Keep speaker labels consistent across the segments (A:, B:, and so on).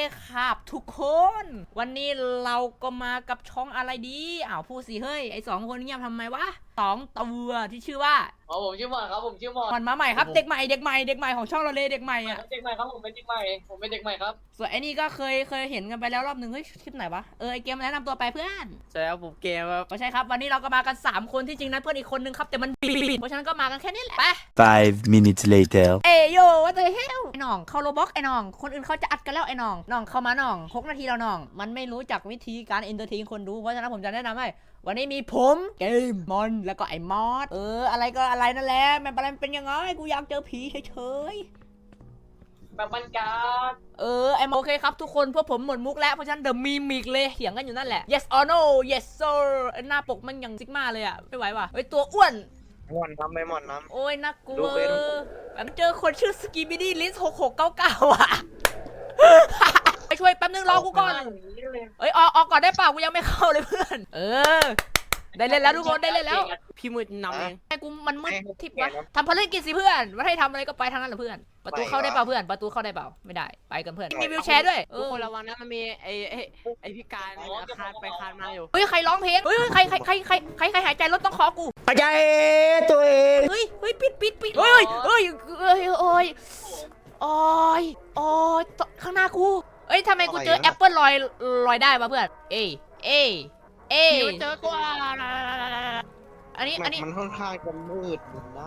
A: ครับทุกคน วันนี้เราก็มากับช่องอะไรดีพูดสิเฮ้ยไอสองคนเงียบทำไมวะสองตัวที่ชื่อว่า
B: ผมชื่อหมอนครับผมชื่อหมอน
A: มันมาใหม่ครับเด็กใหม่ของช่องเราเลยเด็กใหม่อ่ะ
B: เด็กใหม่ครับผมเป็นเด็กใหม่ครับ
A: ส่วนไอ้นี่ก็เคยเห็นกันไปแล้วรอบหนึ่งเฮ้ยคลิปไหนวะไอเกมแนะนำตัวไปเพื่อน
C: ใช่ครับผมเกมครับ
A: ก็ใช่ครับวันนี้เราก็มากัน3คนที่จริงนั้นเพื่อนอีกคนนึงครับแต่มันปิดเพราะฉะนั้นก็มากันแค่นี้แหละไป
D: 5 minutes later
A: โยว่าเธอเฮลไอ้น้องเข้าโรบ็อกไอ้น้องคนอื่นเขาจะอัดกันแล้วไอ้น้องเข้ามาน้อง6 นาทีแล้วน้องมันไม่รู้จักวิธีการเอนเตอร์เทนคนดูเพราะฉะนั้นผมจะแนะนำให้วันนี้มีผมเกมมอนแล้วก็ไอ้มอสอะไรก็อะไรนั่นแหละมันเป็นยังไงกูอยากเจอผีเฉย
B: แบบบรรยากาศ
A: ไอ้โอเคครับทุกคนพวกผมหมดมุกแล้วเพราะฉะนั้นเดอะมีมิกเลยเถียงกันอยู่นั่นแหละ yes or no yes sir หน้าปกมันยังซิกมาเลยอะไม่ไหวว่ะตัวอ้วน
C: หมอนน้ำไม่หมอนน้ำ
A: โอ้ยน่ากลัวแบบเจอคนชื่อสกีบิดี้ลิส6699อ่ะไปช่วยแป๊บนึงรอกูก่อนออกก่อนได้เปล่ากูยังไม่เข้าเลยเพื่อนได้เล่นแล้วทุกคนได้เล่นแล้ว
C: พี่มืดนำเอง
A: ไอ้กูมันมืดทิพย์วะทำภารกิจสิเพื่อนว่าให้ทำอะไรก็ไปทางนั้นแหละเพื่อนประตูเข้าได้เปล่าเพื่อนประตูเข้าได้เปล่าไม่ได้ไปกันเพื่อนมีวิวแชร์ด้วย
C: ทุกคนระวังนะมันมีไอพิการคานไปคานมาอยู่
A: เฮ้ยใครร้องเพลงเฮ้ยใครหายใจรถต้องขอกู
D: หายใจตัวเอง
A: เฮ้ยปิดเฮ้ยโอ้ยข้างหน้ากูทำไมกูเจอแอปเปิลลอยได้วะเพื่อนเ
C: เจอตัว
A: อันนี้
D: มันค่อนข้างจะมืดนะ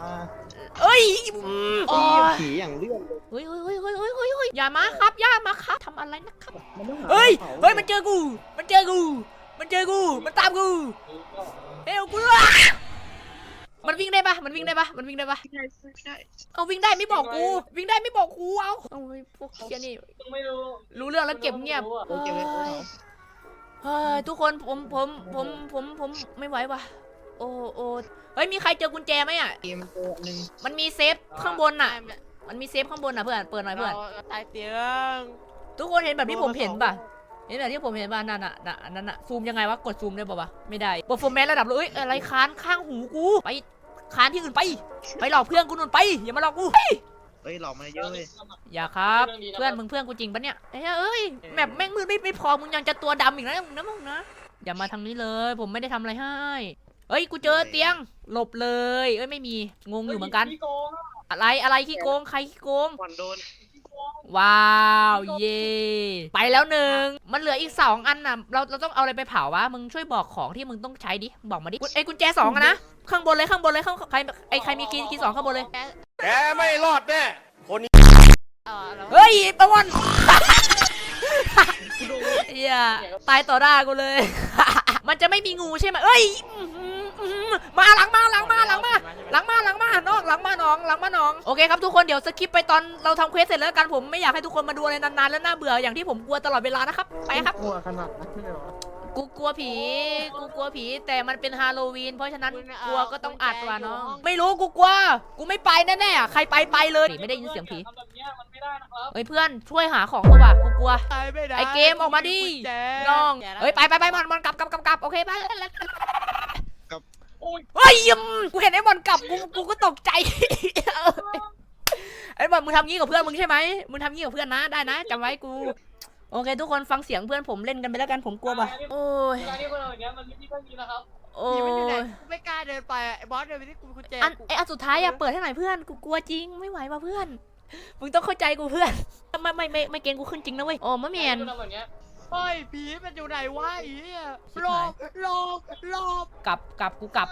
D: ผีอย่างเลื่อนเลย
A: เฮ้ยอย่ามาครับทำอะไรนะครับเฮ้ยมันเจอกูมันตามกูเฮ้ยกูมันวิ่งได้ปะเอาวิ่งได้ไม่บอกกูเอาพวกเคียนี่
B: ไม่
A: รู้เรื่องแล้วเก็บเงียบทุกคนผมไม่ไหวว่ะโอ้เฮ้ยมีใครเจอกุญแจไหมอ่ะมันมีเซฟข้างบนอ่ะเพื่อนเปิดหน่อยเพื่อน
C: ตายเตียง
A: ทุกคนเห็นแบบที่ผมเห็นป่ะนั่นน่ะซูมยังไงวะกดซูมได้ป่ะวะไม่ได้เปอร์ฟอร์แมนซ์ระดับเลยอะไรค้านข้างหูกูไปค้านที่อื่นไปหลอกเพื่อนกูนู่นไปอย่ามาหลอกกู
D: หลอกมาเยอะเลย
A: อย่าครับเพื่อนกูจริงปะเนี่ยแบบแม่งมือไม่พอมึงยังจะตัวดำอีกนะมึงนะอย่ามาทางนี้เลยผมไม่ได้ทำอะไรให้กูเจอเตียงหลบเลยไม่มีงงอยู่เหมือนกันอะไรขี้โกงใครขี้โกงว้าวเย่ไปแล้ว1มันเหลืออีก2 อันน่ะเราต้องเอาอะไรไปเผาวะมึงช่วยบอกของที่มึงต้องใช้ดิบอกมาดิกุญแจ2นะข้างบนเลยใครมีคีย์2ข้างบนเลย
D: แกไม่รอดแน่คนนี้
A: เฮ้ยประวันตายต่อหน้ากูเลยมันจะไม่มีงูใช่ไหมมาหลังมาน้องโอเคครับทุกคนเดี๋ยวสคิปไปตอนเราทำเควสเสร็จแล้วกันผมไม่อยากให้ทุกคนมาดูอะไรนานๆแล้วน่าเบื่ออย่างที่ผมกลัวตลอดเวลานะครับไปครับ
D: กลัวขนาดนั้นเลยเหรอ
A: กูกลัวผีแต่มันเป็นฮาโลวีนเพราะฉะนั้นกลัวก็ต้องอัดว่ะน้องไม่รู้กูกลัวกูไม่ไปแน่ๆใครไปเลยไม่ได้ยินเสียงผีเพื่อนช่วยหาของเถอะว่ะกูกลัวไอเกมออกมาดิน้องไปมันกลับโอเคไปกูเห็นไอ้บอลกลับกูก็ตกใจไอ้บอลมึงทำงี้กับเพื่อนมึงใช่ไหมมึงทำงี้กับเพื่อนนะได้นะจำไว้กูโอเคทุกคนฟังเสียงเพื่อนผมเล่นกันไปแล้วกันผมกลัวป่ะโอ้ย
C: ไม่กล้าเดินไปไอ้บอสเดินไปที่กุญแจ
A: อันสุดท้ายเปิดให้หน่อยเพื่อนกูกลัวจริงไม่ไหวว่ะเพื่อนมึงต้องเข้าใจกูเพื่อนไม่เกณฑ์กูขึ้นจริงนะเว้ยโอ้มะเมียน
C: เฮ้ยผีมันอยู่ไหนวะหลบ
A: กลับกูกลับ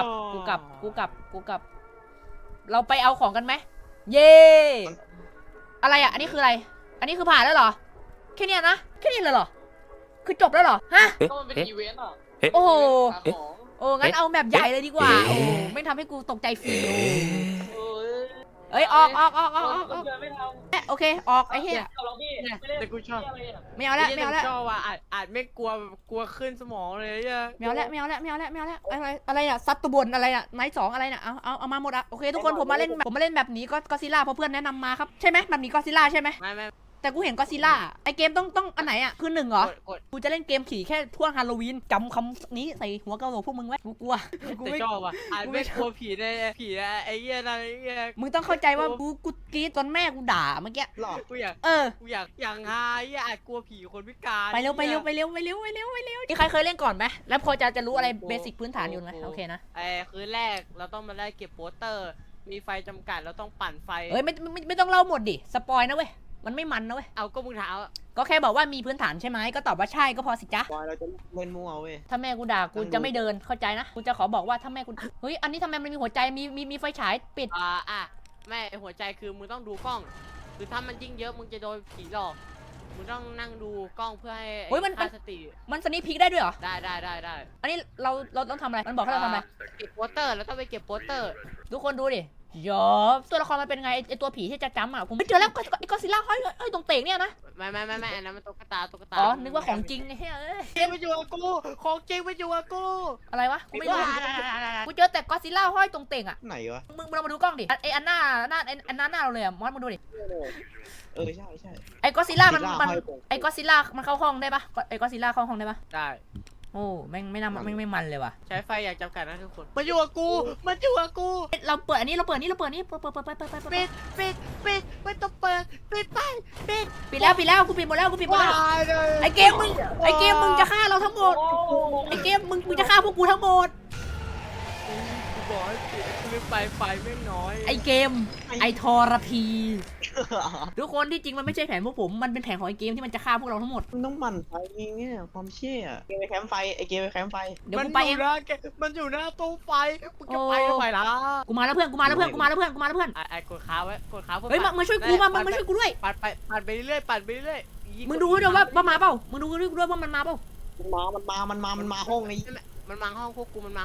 A: เราไปเอาของกันไหมเย่อะไรอ่ะอันนี้คืออะไรอันนี้คือผ่านแล้วเหรอแค่นี้นะแค่นี้เลยเหรอคือจบแล้วเหรอฮะโอ้งั้นเอาแบบใหญ่เลยดีกว่าไม่ทำให้กูตกใจฟรีออกโอเคออกไอ้เหี้ย
C: แต่กูชอบ
A: ไม่เอาแล้ว
C: ชอบว่ะอาจไม่กลัวขึ้นสมองเลย
A: ไม่เอาแล้วอะไรอ่ะซัตตุบนอะไรอ่ะไนท์2อะไรน่ะเอามาหมดอ่ะโอเคทุกคนผมมาเล่นแบบนี้ก็ซิล่าเพราะเพื่อนแนะนำมาครับใช่ไหมแบบนี้ก็ซิล่าใช่ไหม
C: ไม่
A: แต่กูเห็นก็ซิล่าไอเกมต้องอันไหนอ่ะคือ1เหรอก
C: ด
A: กูจะเล่นเกมผีแค่ช่วงฮาโลวีนจำคำนี้ใส่หัวกะโหลกพวกมึงไว้กูกลัวกู
C: แต่
A: ไม่
C: ชอบอ่ะอ่าน
A: กูไม่
C: ไม่กลัวผีในผีอะไอ้เหี้ยนั่นไอ้เหี้ย
A: มึงต้องเข้าใจว่ากูกรี๊ดจนแม่กูด่าเมื่อกี้
D: หลอก
C: กูอยาก
A: เออ
C: กูอยากหาไอ้เหี้ยอาจกลัวผีคนพิการ
A: ไปเร็วนี่ใครเคยเล่นก่อนไหมแล้วพอจะรู้อะไรเบสิกพื้นฐานอยู่ไหมโอเคนะ
C: ไอ้คืนแรกเราต้องมาไล่เก็บโปสเตอร์ มีไฟจำกัดเราต้องปั่นไฟ
A: เอ้ยไม่ต้องเล่าหมดดิสปอยนะเว้ยมันไม่มันนะเว้ย
C: เอาก็มึงถามอะ
A: ก็แค่บอกว่ามีพื้นฐานใช่ไหมก็ตอบว่าใช่ก็พอสิจ๊ะ
D: บอยเราจะเล่นมั่วเว้ย
A: ถ้าแม่กูด่ากูจะไม่เดินเข้าใจนะกูจะขอบอกว่าถ้าแม่กูเฮ้ยอันนี้ทำไมมันมีหัวใจมีไฟฉายปิด
C: แม่ไอ้หัวใจคือมึงต้องดูกล้อง คือถ้ามันยิ่งเยอะมึงจะโดนผีหลอก มึงต้องนั่งดูกล้องเพื่อให้
A: เฮ้ยมัน
C: ค่าสติ
A: มันสนิพิกได้ด้วยเหรอ
C: ได้
A: อันนี้เราต้องทำอะไรมันบอกให้เราทำอะไร
C: เก็บโปสเตอร์แล้วต้องไปเก็บโปสเตอร์
A: ทุกคนดูดิยอตัวละครมันเป็นไงไอตัวผีที่จะจำอ่ะผมไม่เจอแล้วไอ้ก็ซิล่าห้อยตรงเตงเนี่ยนะ
C: ไม่อันนั้นมันตุ๊กตา
A: อ๋อนึกว่าของจริงไอ้เฮ้ยเอ้ย
C: จริงไปอยู่กับกู ของจริงไปอยู่กับกู
A: อะไรวะกูไม่รู้กูเจอแต่ก็ซิล่าห้อยตรงเตงอ่ะ
D: ไหนวะ
A: มึงลองมาดูกล้องดิไออันหน้าเราเลยอ่ะมอสมึงดูดิ
D: เออใช่
A: ไอ้ก็ซิล่ามัน
D: ห้อยตรง
A: ไอ้ก็ซิล่ามันเข้าห้องได้ปะไอ้ก็ซิล่าเข้าห้องได้ปะ
C: ได้
A: โอ้แม่งไม่น่าไม่มันเลยว่ะ
C: ใช้ไฟอย่างจำกัดนะทุกคน มาอยู่กับกู
A: เราเปิดอันนี้เปิด
C: ปิ
A: ปิ
C: ดไม่ต้องเปิด ปิด
A: ดแล้วกูปิดหมดแล้ว
C: ายเลย
A: ไอ้เกมมึงจะฆ่าเราทั้งหมดไอ้เกมมึงจะฆ่าพวกกูทั้งหมด
C: กูบอกให้ปิดคือไฟไม่น้อย
A: ไอ้เกมไอ้ทรพีทุกคนที่จริงมันไม่ใช่แผนพวกผมมันเป็นแผนของไอ้เกมที่มันจะฆ่าพวกเราทั้งหมด
D: มันต้องหมั่นไฟเองเนี่ยความเชี่ยเกมไปแคมป์ไฟไอเกมไปแคมป์ไฟ
A: เดี๋ยวกูไปเอง
C: มันอยู่หน้าตู้ไฟมึงจะไปทำไมล่ะ
A: กูมาแล้วเพื่อนไ
C: ไอ้กดค้าไว้กดค้าเพื่อ
A: เฮ้ยมาช่วยกูมาช่วยกูด้วย
C: ปั่นไปเรื่อย
A: มึงดูด้วยว่ามาเปล่ามึงดูด้วยว่ามันมาเปล่า
D: มันมาห้องนี้
C: มันมาห้องพวกกูมัน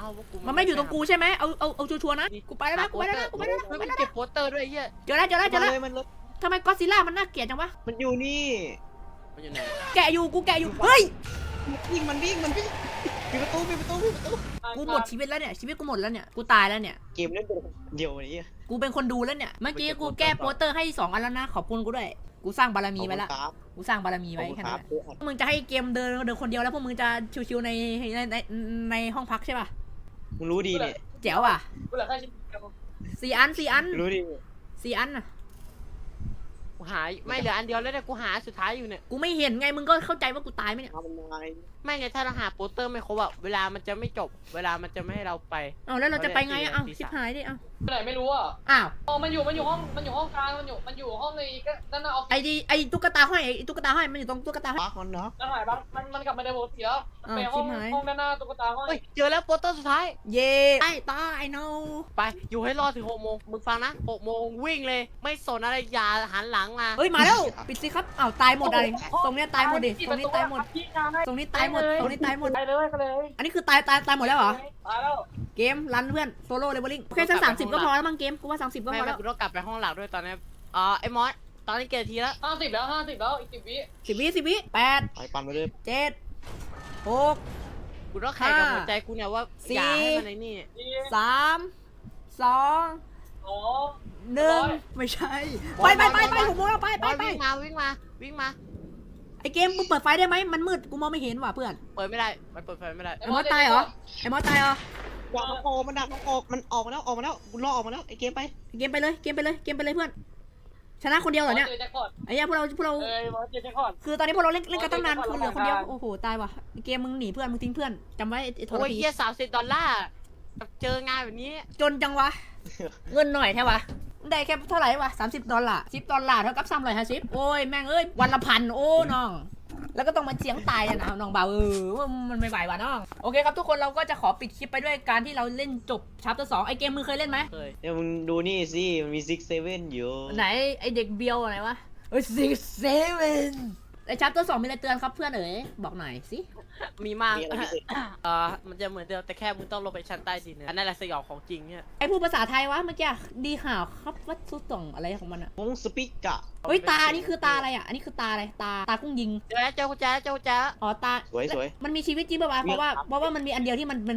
A: ไม่อยู่ตรงกูใช่ไหมเอาชัวร์นะกูไปแล้วนะ
C: มันเก็บโปสเตอร์ด้วยเหี้ย
A: เจอแล้ว
D: มันเลย
A: ทำไมก็ซิล่ามันน่าเกลียดจังวะ
D: มันอยู่นี่
C: มันอยู่ไหน
A: แกะอยู่เฮ้ย
D: มันวิ่งปิดประตู
A: กูหมดชีวิตแล้วเนี่ยชีวิตกูหมดแล้วเนี่ยกูตายแล้วเนี่ย
D: เกมเล่นเป็นเดียวนี้
A: กูเป็นคนดูแล้วเนี่ยเมื่อกี้กูแก้โปสเตอร์ให้2 อันแล้วนะขอบคุณกูด้วยกูสร้างบารมีไว้ละกูสร้างบารมีไว้แค่นั้นมึงจะให้เกมเดินคนเดียวแล้วพวกมึงจะชิวๆในห้องพักใช่ป่ะ
D: มึงรู้ดีเนี่ย
A: แจ๋วอ่ะ
B: กูเหลือแค่ชิ้นเดียว
A: 4 อัน
D: รู้ดี
A: 4 อันอ่ะ
C: กูหาไม่เหลืออันเดียวแล้วเนี่ยกูหาสุดท้ายอยู่เนี่ย
A: กูไม่เห็นไงมึงก็เข้าใจว่ากูตายไหมเนี่ย
D: มันมา
C: ไม่ไงถ้าเราหาโปสเตอร์ไม่ครบอะเวลามันจะไม่จบ เวลามันจะไม่ให้เราไป
A: เอาแล้วเราจะไปไงอ่ะเอาชิบหายดิเอา
B: ไปไหนไม่รู้อ่ะ
A: อ้าว
B: อ๋อมันอยู่ห้องกลางมันอยู่ห้องในก็นั่นน่ะออฟฟิศ
A: ไอ้ตุ๊กตาห้อยไอ้ตุ๊กตาห้อยมันอยู่ตรงตุ๊กตาห้อย
D: ปักมันเนาะ
B: นั่นหายบ้างมันกลับมาในโบสถ์แล้วมันไปห้องด้านหน้าตุ๊กตาห้อย
C: เฮ้ยเจอแล้วโปสเตอร์สุดท้าย
A: เย่ไอ้ตาไอ้ no
C: ไปอยู่ให้รอดถึง6 โมงมึงฟังนะ6 โมงวิ่งเลย ไม่สนอะไรอย่าหันหลังมา
A: เฮ้ยมาแล้วปิดสิครับอ้าวตายหมดอะไรตรงเนี้ยตายหมดดิตรงนี้ตายหมด ตรงนี้ตายหมด
B: ไปเลย
A: อันนี้คือตายหมดแล้วเหรอ
B: ตายแล้ว
A: เกมรันเพื่อนโซโล่เลเวลลิ่งโอเคสัก30 ก็พอแล้วมั้งเกมกูว่า30 ก็พ
C: ไม่
A: อแล้ว
C: กูต้องกลับไปห้องหลักด้วยตอนนี้ไอ้มอสตอนนี้เกี่ยทีแล้ว
B: 50แล้วอีก10 วิ
A: 10 วิ8
D: ไปปั่นไปเลย
A: 7 6
C: กูต้องแข่งกับหัวใจกูเนี่ยว่าอย่าให้มันไอ้นี่
A: 3 2
B: อ๋อ
A: 1ไม่ใช่ไปผมมองแล้วไป
C: วิ่งมา
A: ไอเกมมึงเปิดไฟได้ไหมมันมืดกูมองไม่เห็นว่ะเพื่อน
C: เปิดไม่ได้มันเปิดไฟไม่ได้
A: ไอมอสตายเหรอ
D: ดักมันออกมันออกมาแล้วกูล่อออกมาแล้วไอเกมไป
A: เกมไปเลยเพื่อนชนะคนเดียวเหรอเนี่ย
B: เจอแจ็คพอต
A: ไอ้เหี้ยพวกเรา
B: เจอแจ็คพอต
A: คือตอนนี้พวกเราเล่นกันตั้งนาน
B: อ๋อ
A: คือเหลือคนเดียวโอ้โหตายว่ะเกมมึงหนีเพื่อนมึงทิ้งเพื่อนจำไว้ไอ้ทร
C: โอ้ย
A: พี
C: เฮีย$30เจองานแบบนี้
A: จนจังวะ เงินหน่อยแท้วะได้แค่เท่าไหร่วะ$30 $10เท่ากับ350โอ้ยแม่งเอ้ยวันละ1,000โอ้น้องแล้วก็ต้องมาเสียงตายนะน้องเบาว่ามันไม่ไหวว่ะน้องโอเคครับทุกคนเราก็จะขอปิดคลิปไปด้วยการที่เราเล่นจบชัปเตอร์2ไอเกมมึงเคยเล่นไหม
C: เคย
D: เดี๋ยวมึงดูนี่สิมันมี6-7อยู่
A: ไหนไอเด็กเบียวอะไรวะเอ้ย6-7ไอชัปเตอร์2มีอะไรเตือนครับเพื่อนเอ๋ยบอกหน่อยสิ
C: มีมาก มันจะเหมือนเดิมแต่แค่มึงต้องลงไปชั้นใต้ดินอันนั้นแหละสยองของจริงเนี่ย
A: ไอพูดภาษาไทยวะเมื่อกี้ดีข่าวครับวัดสุดส่งอะไรของมันอะ
D: วงสปิกกะ
A: เฮ้ยตาอันนี้คือตาอะไรอ่ะอันนี้คือตาอะไรตากุ้งยิง
C: เจอกุญแจ
A: อ๋อตา
D: สวย
A: มันมีชีวิตจริงป่าวะเพราะว่ามันมีอันเดียวที่มัน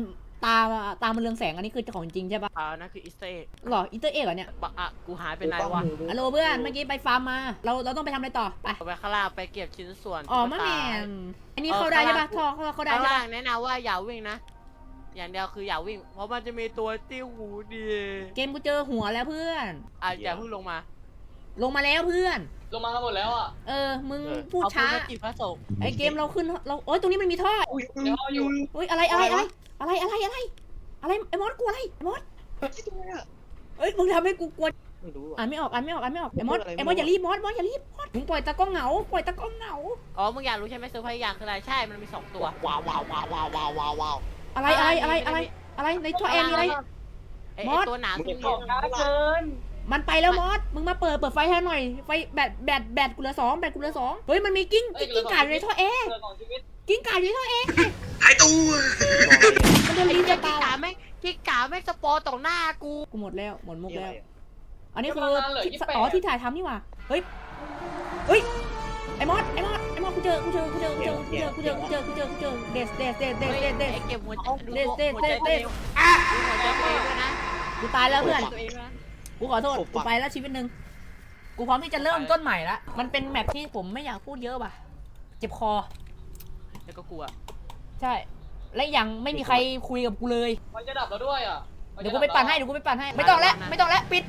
A: ตามันเรืองแสงอันนี้คือของจริงใช่ปะ
C: นั่นคืออีสเตอร์เอ็ก
A: หรออีเตอร์เอกเหรอเนี่ย
C: กูหายไปไหนวะ
A: ฮัลโหลเพื่อนเมื่อกี้ไปฟาร์มมาเราต้องไปทำอะไรต่อไป
C: ไปข้างล่างไปเก็บชิ้นส่วน
A: อ๋อมะแมนอันนี้เข้าได้ใช่ปะท่อเข้าได้
C: ข้าง
A: ใช่
C: ล่า
A: ปะ
C: งแนะนำว่าอย่าวิ่งนะอย่างเดียวคืออย่าวิ่งเพราะมันจะมีตัวติ้วหูดี
A: เกมกูเจอหัวแล้วเพื่อน
C: อย่าเพิ่งลงมา
A: ลงมาแล้วเพื่อน
B: ลงมากันหมดแล้วอ่ะ
A: มึงพูดช้า
C: เอปืนมจีบพระสงฆ์
A: ไอเกมเราขึ้นเราโอ๊ยตรงนี้มันมีท่อ
D: อุ้ย
B: เดี๋ยวเอาอยู่
A: เฮ้ยอะไรไอ้มอสกลัวอะไรไอ้มอสเอ้ยมึงทำให้กูกลัว
D: ไม่รู้
A: อ่านไม่ออกไอ้มอส
D: พูดอะไร
A: ไอ้มอสอย่ารีบมอสอย่ารีบมึงปล่อยตะก้องเหงา
C: อ๋อมึงอยากรู้ใช่ไหมเซอร์ไพรส์อย่างคืออะไรใช่มันมี2ตัว
D: ว้าวว้าวว้าวว้าวว้าวว้าวว้าว
A: อะไรในท่อแอร์มีอะไร
C: ไอ้
A: มอส
C: ตัวหนามที่
B: ออกช้าเกิน
A: มันไปแล้วมอสมึงมาเปิดไฟให้หน่อยไฟแบตกูเหลือ2เฮ้ยมันมีกิ้งก่าอยู่ในท่อแอร์
B: เกินของชีวิต
A: กิ้งก่าอยู่ในท่อแอร์
D: หายตัว
A: มันจะรีบจะตาย
C: ที่กาแม่งสปอร์ต่อหน้ากู
A: กูหมดมุกแล้ว อันนี้คือที่ถ่ายทำนี่หว่าเฮ้ยไอ้มอสกูเจอเดส
C: ไอ้เก็บหัวใจดู
A: เดส
C: หัวใจตัวเองด้วยนะ
A: กูตายแล้วเพื่อน
C: ตัวเองด้วยนะ
A: กูขอโทษ กูไปแล้วชีวิตหนึ่งกูพร้อมที่จะเริ่มต้นใหม่ละมันเป็นแมปที่ผมไม่อยากพูดเยอะว่ะ เจ็บคอ
C: แล้วก็กลัว
A: ใช่ และอย่างไม่มีใครคุยกับกูเลย
B: มันจะดับแล้วด้วยอ่ะ
A: เดี๋ยวกูไปปั่นให้ ไม่ต้องแล้วปิด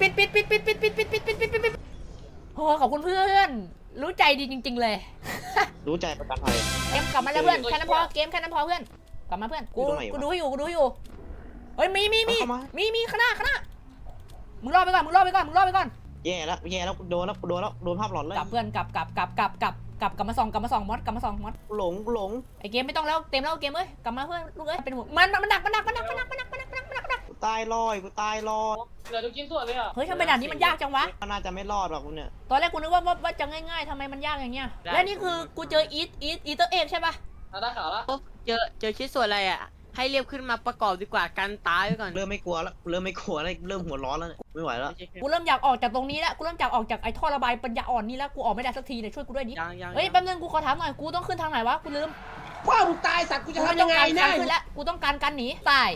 A: โอ้ขอบคุณเพื่อน รู้ใจดีจริง ๆ เลย
D: รู้ใจประกันภัย
A: เกมกลับมาแล้วเพื่อน แค่นั้นพอ เกมแค่นั้นพอเพื่อน กลับมาเพื่อน กู
D: อยู่ตรงไหนวะ
A: กูดูให้อยู่ เฮ้ย มี
D: เข้ามา
A: ข้างหน้ามึงรอไปก่อน
D: แย่แล้วโดนภาพหลอนแล้ว
A: กลับเพื่อนกลับมาส่องมอส
D: หลง
A: ไอเกมไม่ต้องแล้วเต็มแล้วเกมเอ้ยกลับมาเพื่อนลูกเอ้ยเป็นห่วงมันดัก
D: กูตายลอย
B: เหลือทุกชิ้นส่วนเลยอ่ะ
A: เฮ้ยทำไมด่านนี้มันยากจังวะ
D: มันน่าจะไม่รอดหรอกคุณเนี่ย
A: ตอนแรกกูนึกว่าจะง่ายๆทำไมมันยากอย่างเงี้ยและนี่คือกูเจออีเตอร์เอกใช่ปะ
B: ได้ข่าวละ
C: เจอชิ้นส่วนอะไรอ่ะให้เรียบขึ้นมาประกอบดีกว่ากันตายไว้ก่อน
D: เริ่มไม่กลัวแล้วเริ่มหัวร้อนแล้วไม่ไหวแล้ว
A: กูเริ่มอยากออกจากตรงนี้แล้วกูเริ่มอยากออกจากไอ้ท่อระบายปัญญาอ่อนนี่แล้วกูออกไม่ได้สักทีเนี่ยช่วยกูด้วยดิ
C: ยัง
A: เฮ้ยแป๊บนึงกูขอถามหน่อยกูต้องขึ้นทางไหนวะกูลืม
E: ว่ามึงตายสัตว์กูจะ
A: กูไม่
E: ทำ
A: ต้
E: ยั
A: อง
E: งไง
A: การ
E: เนี่
A: การ
E: ย
A: ขึ้นแล้วกูต้องการการหนีตาย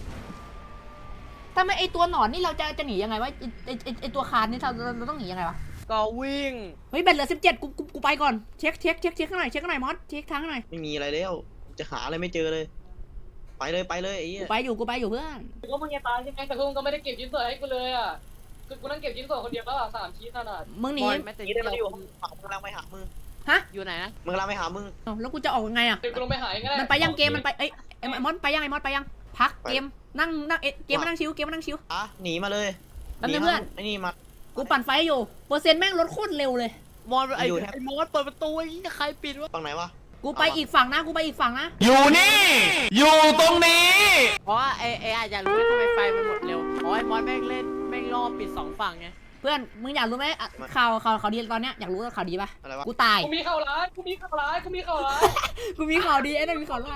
A: ทำไมไอ้ตัวหนอนนี่เราจะหนียังไงวะไอ้ตัวคานนี่เราต้องหนียังไงวะ
C: ก็วิ่ง
A: เฮ้ยแบตเหลือ17กูไปก่อนเช็คข้างหน่อยมอสเช็คทางหน่อย
D: ไม่มีอะไรแล้วจะหาอะไรไม่เจอเลย ไปเลยไอ้เหี้ย
A: กูไปอยู่เพื่อน
B: กูว่ามึงจะตายใช่ไหมแต่กูก็ไม่ได้เก็บชิ้นส่วนให้กูเลยอ่ะคือกูนั่งเก็บชิ้นส่วนคนเดียวแล้วอ่ะ3 ชิ้นขนาด
A: มึงหนี
C: บอลไม่ติด
D: นี่ได้มาอยู่มึงกำลังไปหามึง
C: อยู่ไหนนะ
D: มึงกำลังไปหามึง
A: เอ้าแล้วกูจะออกยังไงอ่ะ
B: เดี๋ยวกูลงไปหาเองก็ได้
A: มันไปยังเกมมันไปไอ้มอสไปยังพักเกมนั่งเกมมานั่งชิว
D: อ่ะหนีมาเลย
A: แป๊บนึงเพื่อน
D: ไอ้นี่มา
A: กูปั่นไฟอยู่เปอร์เซ็นต์แม่งลดโคตรเร็วเลย
C: มอนไอ้
D: อยู่แทบ
C: ไอ้มอนเปิดประตูไอ้นี่ใครปิดวะ
D: ฝั่งไหนวะ
A: กูไปอีกฝั่งนะ
E: อยู่นี่ อยู่ตรงนี้
C: เพราะว่าไอ้อาจจะรู้ว่าทำไมไฟมันหมดเร็วเพราะไอ้มอนแม่งเล่นแม่งล่อปิด2ฝั่งไง
A: เพื่อนมึงอยากรู้ไหมข่าวดีตอนเนี้ยอยากรู้ข่าวดีป่ะ
D: อะไรวะ
A: กูตาย
B: กูมีข่าวร้าย
A: กูมีข่าวดีไอ้นั่นมีข่าวร้าย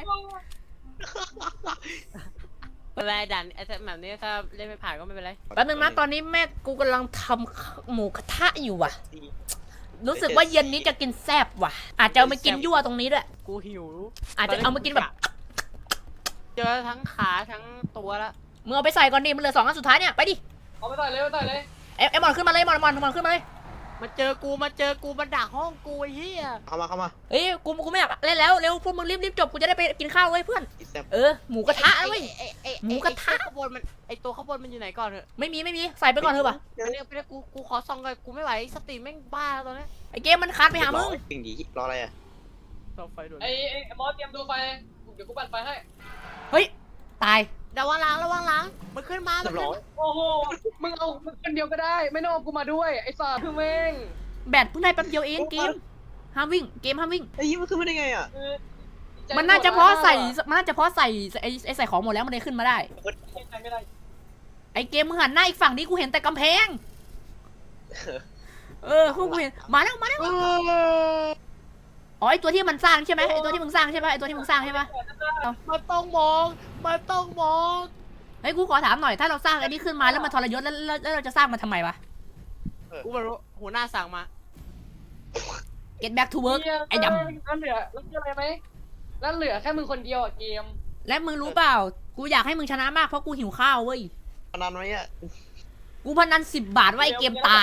C: เป็นไรดันไอ้แบบนี้ถ้าเล่นไม่ผ่านก็ไม่เป็นไร
A: แป๊บนึงนะตอนนี้แม่กูกำลังทำหมูกระทะอยู่ว่ะ รู้สึกว่าเย็นนี้จะกินแซ่บว่ะ อาจจะเอามากินยั่วตรงนี้ด้วย
C: กูหิว
A: อาจจะเอามากินแบบ
C: เจอทั้งขาทั้งตัวละ
A: มึงเอาไปใส่ก่อนดิมันเหลือ2 อันสุดท้ายเนี่ยไปดิ
B: เอาไปใส่เลย
A: ไอ้มอนขึ้นมาเลยมอนขึ้นมาเลย
C: มาเจอกูมันดักห้องกูไอ้เหี้ย
D: เข้ามา
A: เอ้ยกูไม่อยากเล่นแล้วเร็วพวกมึงรีบจบกูจะได้ไปกินข้าวเว้ยเพื่อน
D: อีแซ่บ
A: หมูกระทะเว้ย หมูกระทะ
C: ไอ้ข้างบนมันไอ้ตัวข้างบนมันอยู่ไหนก่อนเถอะ
A: ไม่มีใส่ไปก่อนเถอะป่ะ
C: อันนี้ไปเลยกูขอส่องก่อนกูไม่ไหวสติแม่งบ้าแล้วตอนนี้
A: ไอ้เกมมันคานไปหามึง
D: จริงดิรออะไรอ่ะ
C: ส่องไฟด่วน
B: ไอ้มอสเตรียมดูไฟ เดี๋ยวกูปั่นไฟให้
A: เฮ้ยตาย
C: ระวังหล้างมันขึ้นมา
D: เรียบร้อย
B: โอ้โห มึงเอาคนเดียวก็ได้ ไม่ต้องเอากูมาด้วย ไอ้สัตว์คือแม่ง
A: แบตเพิ่งได้แป๊บเดียวเองเกมห้ามวิ่ง
D: ไอ้ยี่มันขึ้นมาได้ไงอ่ะ
A: มันน่าจะเพราะใส่ไอ้ใส่ของหมดแล้วมันเลยขึ้นมาได้
B: ไม่ได้
A: ไอ้เกมมึงหันหน้าอีกฝั่งนี้กูเห็นแต่กำแพงพวกกูเห็นมาแล้วอ๋อไอ้ตัวที่มันสร้างใช่ไหมไอ้ตัวที่มึงสร้างใช่ปะไอ้ตัวที่มึงสร้างใช่ปะ
C: มันต้องมอง
A: เฮ้ยกูขอถามหน่อยถ้าเราสร้างไอ้นี่ขึ้นมาแล้วมันทรยศแล้วเราจะสร้างมันทำไมวะ
C: กูไม่รู้หัวหน้าสั่งมา
A: get back to work ไอ้ดำ
B: แล้วเหลืออะไรไหมแล้วเหลือแค่มึงคนเดียวอ่ะเกม
A: และมึงรู้เปล่ากูอยากให้มึงชนะมากเพราะกูหิวข้าวเว้ย
D: พนันไว้อะ
A: กูพนัน10 บาทว่าไอ้เกมตาย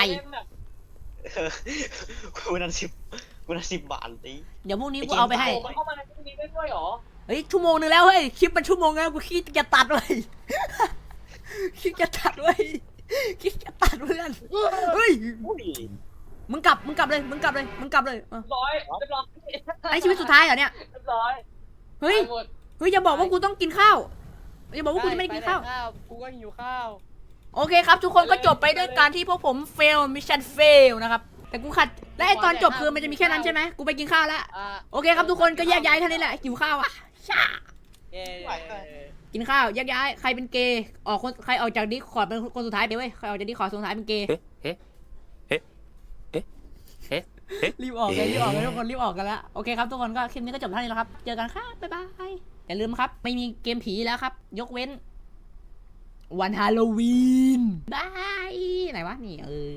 D: กูนั่น10 บาทตี
A: เดี๋ยวพรุ่งนี้กูเอาไปให้
B: โอ้มันเข้ามาในพวกนี้ได้ด้วยเหรอ
A: เฮ้ยชั่วโมงนึงแล้วเฮ้ยคลิปมันชั่วโมงแล้วกูคิดจะตัดเว้ย คิดจะตัดเว้ยคิดจะตัดเพื่อนเฮ้ย
D: อุ้ย
A: มึงกลับเลยเออ
B: ร้อยเรียบร้อย
A: ไอชีวิตสุดท้ายเหรอเนี่ย
B: เรียบร้อย
A: เฮ้ย
B: ตาหมด
A: เฮ้ยอย่าบอกว่ากูต้องกินข้าวอย่าบอกว่ากูจะไม่ได้กินข้าว
C: กูก็หิวข้าว
A: โอเคครับ ทุกคนก็จบไปด้วยการที่พวกผม fail mission fail นะครับ แต่กูขัด และไอตอนจบคือมันจะมีแค่นั้นใช่ไหมกูไปกินข้าวแล้ว โอเคครับทุกคนก็แยกย้ายเท่านี้แหละหิวข้าวอ่ะช่า
C: เย้
A: กินข้าวแยกย้ายใครเป็นเกย์ออกคนใครออกจากดิสคอร์ดเป็นคนสุดท้ายไปเว้ยใครออกจากดิสคอร์ดสุดท้ายเป็นเกย์รีบออกเลยทุกคนรีบออกกันแล้วโอเคครับทุกคนก็คลิปนี้ก็จบเท่านี้แล้วครับเจอกันครับบ๊ายบายอย่าลืมครับไม่มีเกมผีแล้วครับ ยกเว้น วันฮาโลวีนบายไหนวะนี่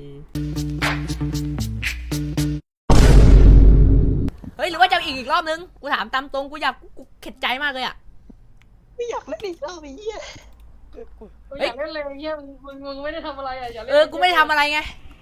A: เฮ้ยหรือว่าจะอีกรอบนึงกูถามตามตรงกูอยากกูเข็ดใจมากเลยอ่ะ
D: ไม่อยากเล่นอีกรอบไอ้เหี้ย
B: กูอยากเล่นเลยเฮียมึงไม่ได้ทำอะไรอ่ะอย่าเล่น
A: กูไม่ได้ทำอะไรไง